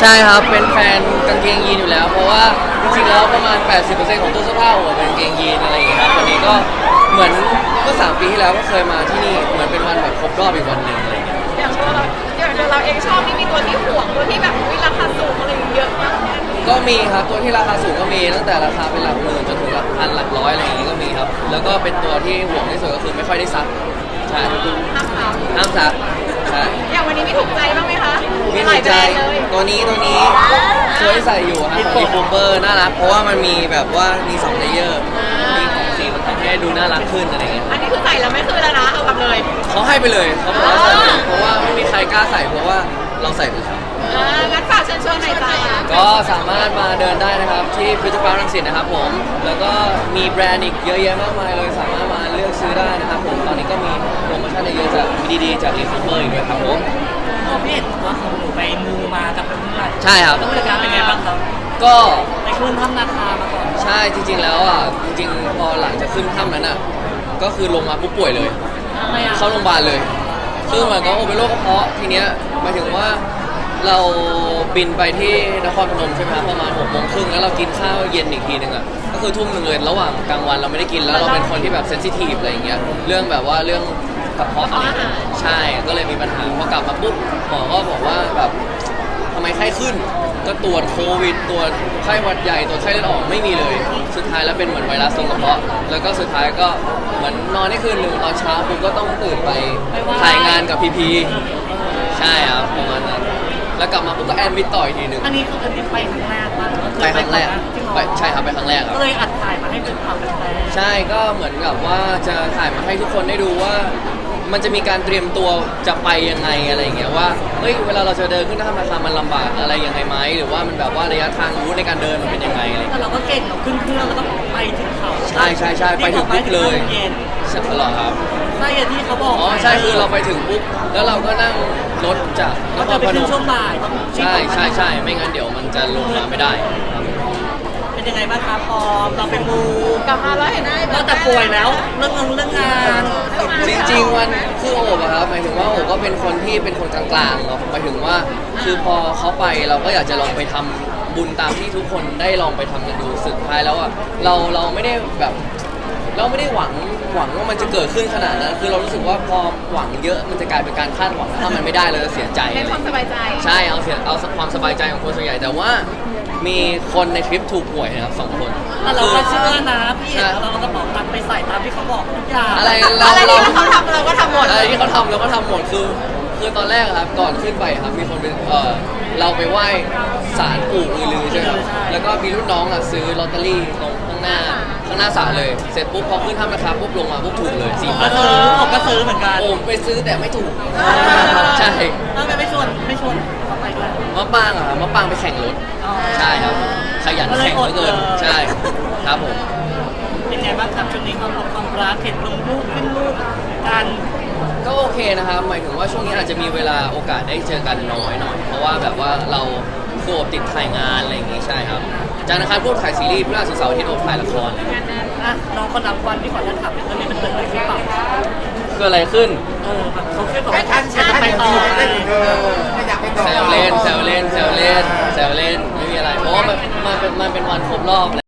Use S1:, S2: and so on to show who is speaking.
S1: ใช่ครับเป็นแฟนกางเกงยีนอยู่แล้วเพราะว่าจริงๆแล้วประมาณ 80%ของตู้เสื้อผ้าผมเป็นกางเกงยีนอะไรอย่างเงี้ยครับวันนี้ก็เหมือนเมื่อ3 ปีที่แล้วก็เคยมาที่นี่เหมือนเป็นวันแบบครบรอบอีกวันหนึ่งอะไรอย่างเงี้ย
S2: อย่างตัวเราเองชอบนี่มีตัวที่ห่วงตัวที่แบบมีราคาสูงอะไรอย่างเงี้ยเยอะมากเนี่ย
S1: ก็มีครับตัวที่ราคาสูงก็มีตั้งแต่ราคาเป็นหลักหมื่นจนถึงหลักพันหลักร้อยอะไรอย่างงี้ก็มีครับแล้วก็เป็นตัวที่ห่วงที่สุดก็คือไม่ค่อยได้ซักใช่
S2: ห้ามถาม
S1: ห้ามซักใช่
S2: อย่างวันนี้มีถูกใจบ้างไหมคะ
S1: มี
S2: ห
S1: ถู
S2: ลาย
S1: ก
S2: แบ
S1: ใจ
S2: รนด์เลย
S1: ตัวนี้เคยใส่อยู่ครับของอีฟูเปอร์น่ารักเพราะว่ามันมีแบบว่ามี2เลเยอร์มีของสีมันทำให้ดูน่ารักขึ้นอะไรเงี้ย
S2: อันนี้คือใส่แล้วไม่คืนแล้วนะเอากลับเลย
S1: เขาให้ไปเลยเขาบอกว่าใส่ไปเลยเพราะว่าไม่มีใครกล้าใส่เพราะว่าเราใส่ไปแล้ว
S2: งั้นฝากเชิญชวนหน่อยจ้า
S1: ก็สามารถมาเดินได้นะครับที่ฟิวเจอร์พาร์ครังสิตนะครับผมแล้วก็มีแบรนด์อีกเยอะแยะมากมายเลยสามารถมาเลือกซื้อได้นะครับผมตอนนี้ก็มีโปรโมชั่นเยอะๆจากดีๆจากอีฟูเปอร์อีกด้วยครับผม
S3: พ่อพี่เห็นว่าเขาหนูไปมูมากับเพื่อน
S1: ใช่ครับ
S3: แล้วบรรยากาศเป็นไงบ้างครับ
S1: ก็
S3: ไปขึ้นถ้ำนาคามาก่อน
S1: ใช่จริงๆแล้วอ่ะจริงๆพอหลังจากขึ้นถ้ำนั้นอ่ะก็คือลงมาปุ๊บป่วยเลย
S3: ทำไมอ่ะ
S1: เข้าโรงพยาบาลเลยคือเหมือนก็เป็นโรคกระเพาะทีเนี้ยหมายถึงว่าเราบินไปที่นครพนมใช่ไหมครับประมาณ6 โมงครึ่งแล้วเรากินข้าวเย็นอีกทีนึงอ่ะก็คือทุ่มหนึ่งเลยระหว่างกลางวันเราไม่ได้กินแล้วเราเป็นคนที่แบบเซนซิทีฟอะไรอย่างเงี้ยเรื่องแบบว่าเรื่องกระเพาะอะไรอย่างเงี้ยใช่ก็เลยมีปัญหาพอกลับมาปุ๊บหมอก็บอกว่าแบบทำไมไข้ขึ้นก็ตรวจโควิดตรวจไข้หวัดใหญ่ตรวจไข้เลือดออกไม่มีเลยสุดท้ายแล้วเป็นเหมือนไวรัสตรงกระเพาะแล้วก็สุดท้ายก็เหมือนนอนได้คืนหนึ่งตอนเช้าปุ๊บก็ต้องตื่นไปถ่ายงานกับพีพีใช่ครับประมาณนั้นแล้วกลับมาปุ๊บก็แอดมิดต่ออีกทีหนึ่ง
S3: อันนี้คืออันนี้ไปครั้งแรกป่ะหรือว่าเค
S1: ไป
S3: ย
S1: ครั้งแรก
S3: จริงเหรอ
S1: ไปใช่ครับไปครั้งแรกครับ
S3: ก็เลยอัดถ่ายมาให้เป็นความเป็นแฟน
S1: ใช่ก็เหมือนกับว่าจะถ่ายมาให้ทุกคนได้ดูว่า มันจะมีการเตรียมตัวจะไปยังไงอะไรอย่างเงี้ยว่าเฮ้ยเวลาเราจะเดินขึ้นถ้ำนาคามันลำบากอะไรยังไงไหมหรือว่ามันแบบว่าระยะทางรู้ในการเดินมันเป็นยังไงอะไรอย่าง
S3: แต่
S1: เงี้ย
S3: เราก็เก่งเราขึ้นเครื่องแล้วก็ไปถึงเขา
S1: ใช่ไปถึงปุ๊บเลย
S3: เย็น
S1: ใช่เหรอครับ
S3: ใช่อย่างที่เขาบอก
S1: อ๋อใช่คือเราไปถึงปุ๊บแล้วเราก็นั่งรถจากน
S3: ก็
S1: ค
S3: จะ
S1: ร
S3: ไป
S1: พน
S3: ขึ้น
S1: ม
S3: ช่วงบ่ายต้อง
S1: ใช่ไม่งั้นเดี๋ยวมันจะลงมาไม่ได้ครับ
S3: เป็นยังไงบ้างครับพอเราไปมู
S2: กลับมาแล้วเห็นได้
S3: นอกจากป่วยแล้วเรื่องงาน
S1: จริงๆวันคือโอบอะครับหมายถึงว่าโอบก็เป็นคนที่เป็นคนกลางๆเนาะหมายถึงว่าคือพอเขาไปเราก็อยากจะลองไปทำบุญตามที่ทุกคนได้ลองไปทำกันดูสุดท้ายแล้วอะเราไม่ได้แบบเราไม่ได้หวังว่ามันจะเกิดขึ้นขนาดนั้นคือเรารู้สึกว่าพอหวังเยอะมันจะกลายเป็นการคาดหวังถ้ามันไม่ได้เราจะเสียใจ
S2: เป็นความสบายใจ
S1: ใช่เอาความสบายใจของคนส่วนใหญ่แต่ว่ามีคนในทริปถูกป่วยนะครับ2 คน
S3: แต่เราก็เชื่อนะพี่เราก็บอกตัดไปใส่ตามที่เขาบอกทุกอย่าง
S1: อะไร
S2: อะไรที่เขาทำเราก็ทำหมด
S1: อะไรที่เขาทำเราก็ทำหมดคือตอนแรกอะครับก่อนขึ้นไปครับมีคนเป็นเราไปไหว้ศาลปู่อือลือใช่ไหมครับแล้วก็มีรุ่นน้องอะซื้อลอตเตอรี่ตรงข้างหน้าศาลเลยเสร็จปุ๊บพอขึ้นถ้ำนะครับปุ๊บลงมาปุ๊บถูกเลย4
S3: ก็
S1: พัน
S3: ซื้อผมก็ซื้อเหมือนกัน
S1: โอ้ไปซื้อแต่ไม่ถูกใช่
S3: แล้วไม่ชวนเขาไปด้วย
S1: มะปางอะครับมะปางไปแข่งรถใช่ครับขยันแข่งเหลือเกินใช่ครับผม
S3: เป็นไงบ้างครับช่วงนี้ความรักเห็นลงรูปขึ้นรูปกัน
S1: ก็โอเคนะครับหมายถึงว่าช่วงนี้อาจจะมีเวลาโอกาสได้เจอกันน้อยหน่อยเพราะว่าแบบว่าเราโอบติดถ่ายงานอะไรอย่างงี้ใช่ครับจากนั้นพวกถ่ายซีรีส์พฤหัสศุกร์เสาร์อาทิตย์โอบถ่ายละคร
S3: อ่ะน้องคนนับวันที่ขอจะถามตอนนี้มันเกิดอะไรขึ้นเปล่า
S1: เกิดอะไรขึ้น
S3: แบบเขาแค่บอกว่าจะไปต่อไง
S1: แซวเล่นไม่มีอะไร เพราะว่ามันเป็นวันครบรอบ